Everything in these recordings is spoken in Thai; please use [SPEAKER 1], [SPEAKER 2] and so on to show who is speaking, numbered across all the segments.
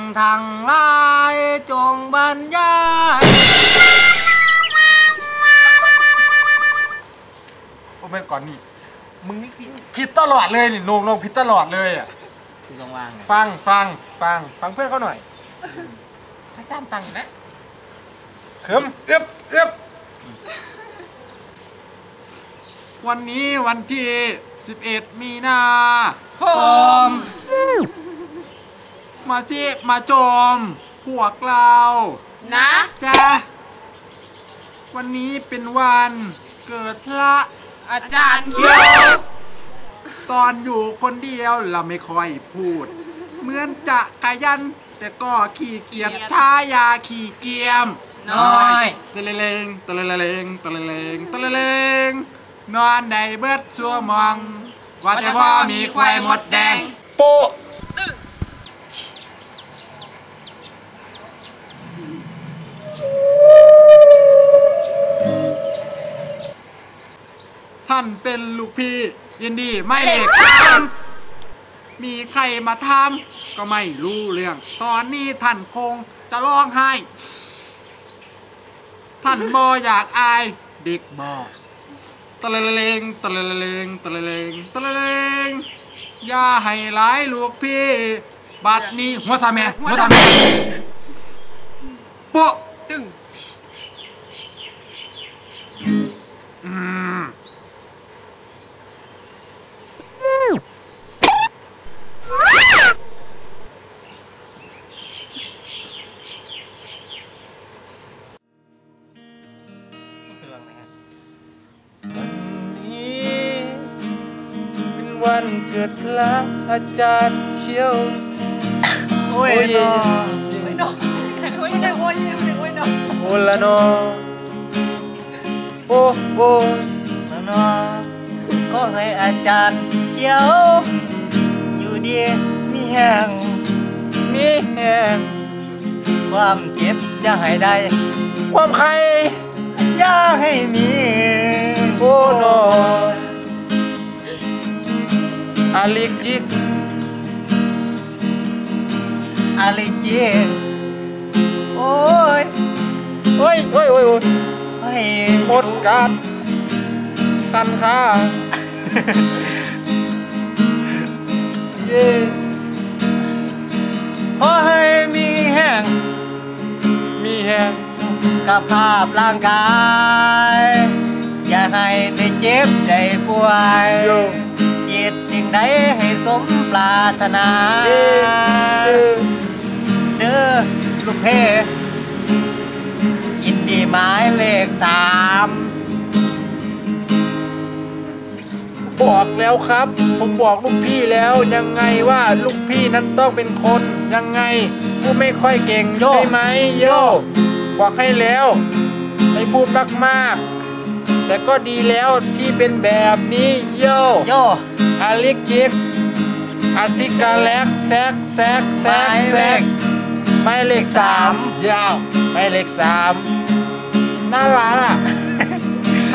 [SPEAKER 1] ทางลายจงบรรยาย
[SPEAKER 2] โอ้แม่ก่อนนี่มึงผิดตลอดเลยนี่โนงผิดตลอดเลยอ่ะ
[SPEAKER 1] คือต้องวาง
[SPEAKER 2] ฟังเพื่อนเขาหน่อยอาจารย์ฟังนะเขิมเอึบวันนี้วันที่11 มีนา
[SPEAKER 1] คม
[SPEAKER 2] มาโจมพวกเรา
[SPEAKER 3] นะ
[SPEAKER 2] จ้าวันนี้เป็นวันเกิดพระ
[SPEAKER 3] อาจารย์
[SPEAKER 2] เขียวตอนอยู่คนเดียวเราไม่ค่อยพูดเหมือนจะขยันแต่ก็ขี้เกียจชายาขี้เกียม
[SPEAKER 1] น้อย
[SPEAKER 2] ตะเลงนอนในเบิดซัวมองว่าแต่พ่อมีควายหมดแดงโปะท่านเป็นลูกพี่ยินดีไม่เลข3มีใครมาทำก็ไม่รู้เรื่องตอนนี้ท่านคงจะร้องไห้ท่านบออยากอายเด็กบอตะเลงอย่าให้ร้ายลูกพี่บัดนี้หัวทำแม่โป๊ะ
[SPEAKER 3] ตึง
[SPEAKER 2] วันเกิดพระอาจารย์เขียว
[SPEAKER 1] โอ้ย
[SPEAKER 3] โอ้ยน้องโอ้ยน้อง
[SPEAKER 2] โอ้ละนอโอ้
[SPEAKER 1] ละนอก็ให้อาจารย์เขียวอยู่ดีมีแห้งความเจ็บอย่าให้ได้
[SPEAKER 2] ความใคร
[SPEAKER 1] อย่าให้มี
[SPEAKER 2] โอ้นออาลิจิก
[SPEAKER 1] โอ้ย
[SPEAKER 2] หมดการตันค่า
[SPEAKER 1] ขอให้มีแห้งสุขภาพร่างกายอย่าให้ได้เจ็บได้ป่วยจิตสิ่งใดให้สมปรารถนาเด้อลูกเพยินดีหมายเลข3
[SPEAKER 2] บอกแล้วครับผมบอกลูกพี่แล้วยังไงว่าลูกพี่นั้นต้องเป็นคนยังไงพูดไม่ค่อยเก่งใช่ไหมโยบอกให้แล้วให้พูดมากๆแต่ก็ดีแล้วที่เป็นแบบนี้โยอาลิกจิกอาซิกาแลกแซกหมายเลข3ยาวหมายเลข3น่ารักอ่ะหนู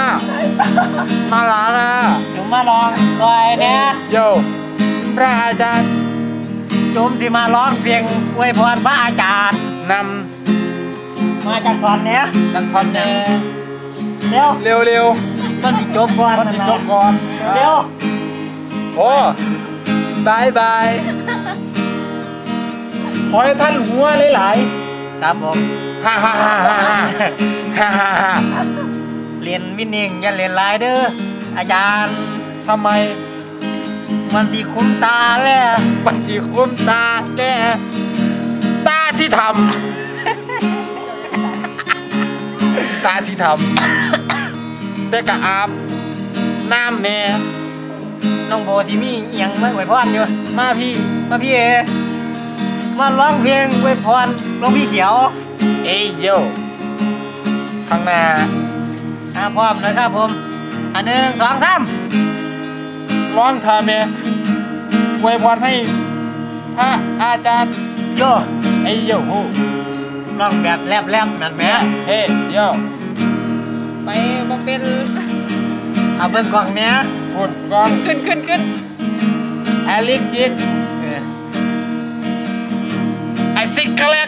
[SPEAKER 1] มาลองก่อยเนี่ย
[SPEAKER 2] โยพระอาจารย์
[SPEAKER 1] จุ่มที่มาร้องเพลงอวยพรพระอาจารย์
[SPEAKER 2] น
[SPEAKER 1] ำมาจากท่อนเนี้ยเ
[SPEAKER 2] ร็ว
[SPEAKER 1] มันติดจบก่อนเร็ว
[SPEAKER 2] โอ้บายขอให้ท่านหัวหลาย
[SPEAKER 1] ครับผม
[SPEAKER 2] ฮ่า
[SPEAKER 1] เรียนวินิ่งอย่าเรียนลายเด้ออาจารย์
[SPEAKER 2] ทำไม
[SPEAKER 1] มันที่คุ้มตาแล้ว
[SPEAKER 2] ตาสิทำแต่กะอาบน้ำแน่
[SPEAKER 1] น้องโบที่มีเอียงมาอวยพรอยู่
[SPEAKER 2] มาพี่
[SPEAKER 1] มาร้องเพลงอวยพรหลวงพี่เขียว
[SPEAKER 2] เอ้ยโยข้างหน้า
[SPEAKER 1] พร้อมนะครับผม1 2 3
[SPEAKER 2] ร้องทำเนี่ยอวยพรให้พระอาจารย์
[SPEAKER 1] โย
[SPEAKER 2] ไอ้โย
[SPEAKER 1] ร้องแบบแลบนั่นแหม
[SPEAKER 2] เฮ้โย
[SPEAKER 3] ไปบ่เป็น
[SPEAKER 1] เอาเบิ่งกล่องเนี้ย
[SPEAKER 2] ฝุ่นกล่อง
[SPEAKER 3] ขึ้น
[SPEAKER 2] อาลิกจิกกแลก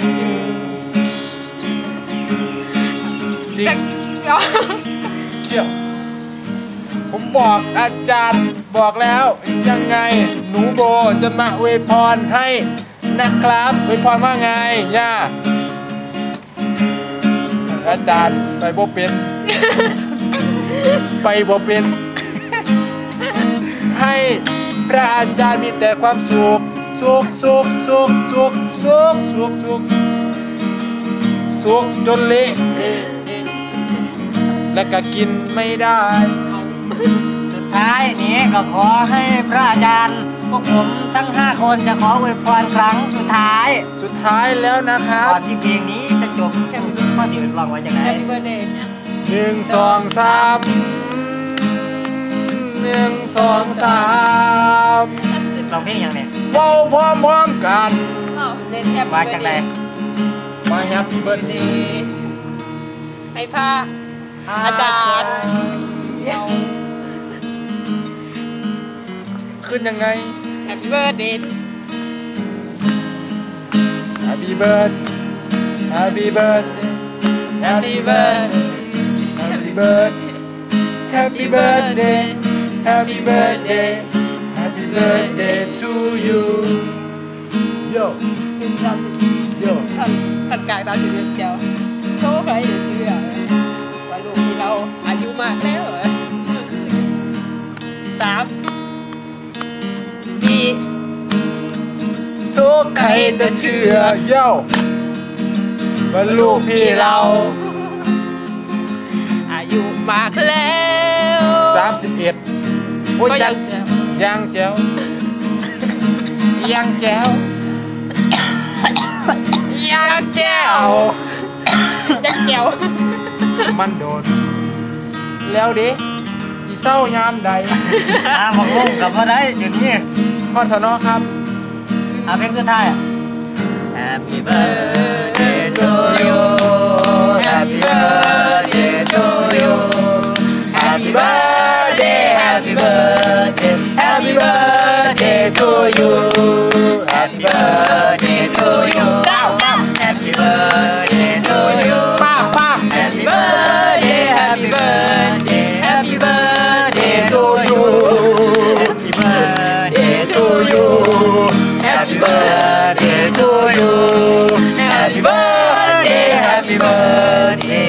[SPEAKER 2] จริงเชี่ยวผมบอกอาจารย์บอกแล้วยังไงหนูโบจะมาอวยพรให้นะครับอวยพรว่าไงย่าอาจารย์ไปบ่เป็น ไปบ่เป็น ให้พระอาจารย์มีแต่ความสุขสุขจนเละและก็กินไม่ได้
[SPEAKER 1] สุดท้ายนี้ก็ขอให้พระอาจารย์พวกผมทั้ง5คนจะขออวยพรครั้งสุดท้าย
[SPEAKER 2] แล้วนะครับ
[SPEAKER 1] ก่อนที่เพลงนี้จะจบข้อที่เป็นร้องไว้ยังไง
[SPEAKER 3] Happy birthday
[SPEAKER 2] 1 2 3 1 2 3
[SPEAKER 1] ร้องเพลงยังไง
[SPEAKER 2] เว้าพร้อมกัน
[SPEAKER 3] เล่นแฮปปี้
[SPEAKER 1] มาจากไหน
[SPEAKER 2] มาแฮปปี้เบิร์ดเดย์
[SPEAKER 3] ให้พระอาจารย์
[SPEAKER 2] ขึ้นยังไง
[SPEAKER 3] Happy birthday
[SPEAKER 2] Happy birthday Happy birthday
[SPEAKER 3] Happy birthday
[SPEAKER 2] Happy birthday Happy birthday Happy birthday Happy birthday to you Yo
[SPEAKER 3] ท่านกายตาถึงเจ้าโชคใครอย่าเชื่อว่าลูกที่เราอายุมากแล้ว3 4
[SPEAKER 2] ทุกใครจะเชื่อโย่ว่าลูกพี่เรา
[SPEAKER 3] อายุมากแล้ว
[SPEAKER 2] 31โอ้ยยังแจ๋วยังแจ๋วมันโดนแล้วดิสิเศร้ายามใด
[SPEAKER 1] บอกงงกับว่าได้อยู่นี่
[SPEAKER 2] ข้อสนอครับ
[SPEAKER 1] เพลงสุดท้าย Happy birthday to you Happy birthday to you Happy birthday Happy birthday Happy birthday to you Happy birthday to you Happy birthday to you Happy birthday Happy birthday Happy birthday to you Happy birthday to you Happy birthday to you Happy birthday Happy birthday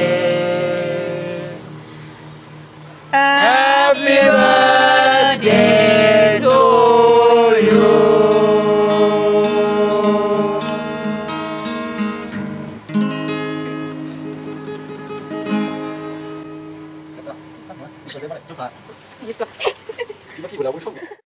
[SPEAKER 1] Happy birthday to you
[SPEAKER 2] 10 นาทีหมดแล้วผู้ชม